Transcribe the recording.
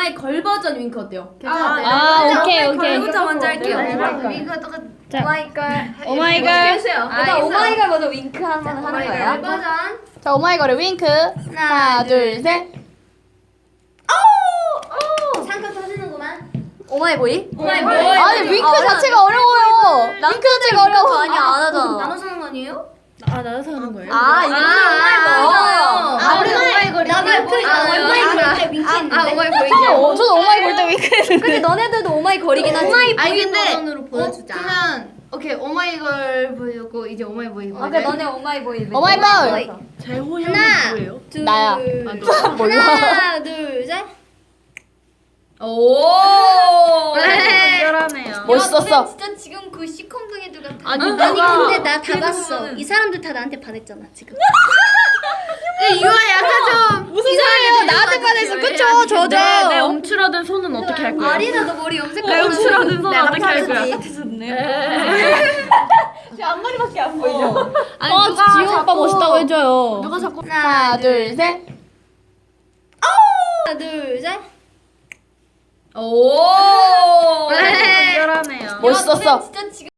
오마이 걸 버전 윙크 어때요? 오케이. 걸부터 먼저 할게요. 윙크 똑같. 오마이걸. 오마이걸. 일단 오마이걸 먼저 윙크 하는 거야. 버전. 자, 오마이걸의 윙크. 하나, 둘, 셋. 상큼 터지는구만. 오마이보이? 오마이 뭐? 아니, 윙크 자체가 어려워요. 윙크 자체가 어려워. 아니야 안 하잖아. 나눠서 하는 거 아니에요? 나눠서 하는 거예요? 아 이거 우리는 오마이걸이 오마이걸이잖아요. 오마이걸 때 윙크 했는데. 오마이보이. 저도 오마이걸 때 윙크 했는데. 근데 너네들도 오마이걸이긴 하지. 아니 근데 버전으로 보여주자. 그러면 오케이 오마이걸 보여줬고 이제 오마이보이 보여줘. 오케이 너네 오마이보이. 오마이보이. 제호 형이 하나, 뭐예요? 둘, 나야. 몰라. 하나, 둘, 셋. 오. 특별하네요. 멋있었어. 진짜 지금 그 시컴둥 애들 같아. 아니, 아니 누가 근데 나 다 그래서 봤어. 보면은- 이 사람들 다 나한테 반했잖아 지금. 이거 약간 좀 무슨 소리예요? 나한테 반했어. 그쵸? 저도. 내 움츠러든 손은 어떻게 할 거야? 아리나 너 머리 염색. 내 움츠러든 손은 내가 어떻게 할 거야? 앞머리밖에 안 보이죠? 아니 지호 오빠 멋있다고 해줘요. 누가 자꾸 하나, 둘, 셋. 하나, 둘, 셋. 오. 특별하네요. 멋있었어. 진짜 지금.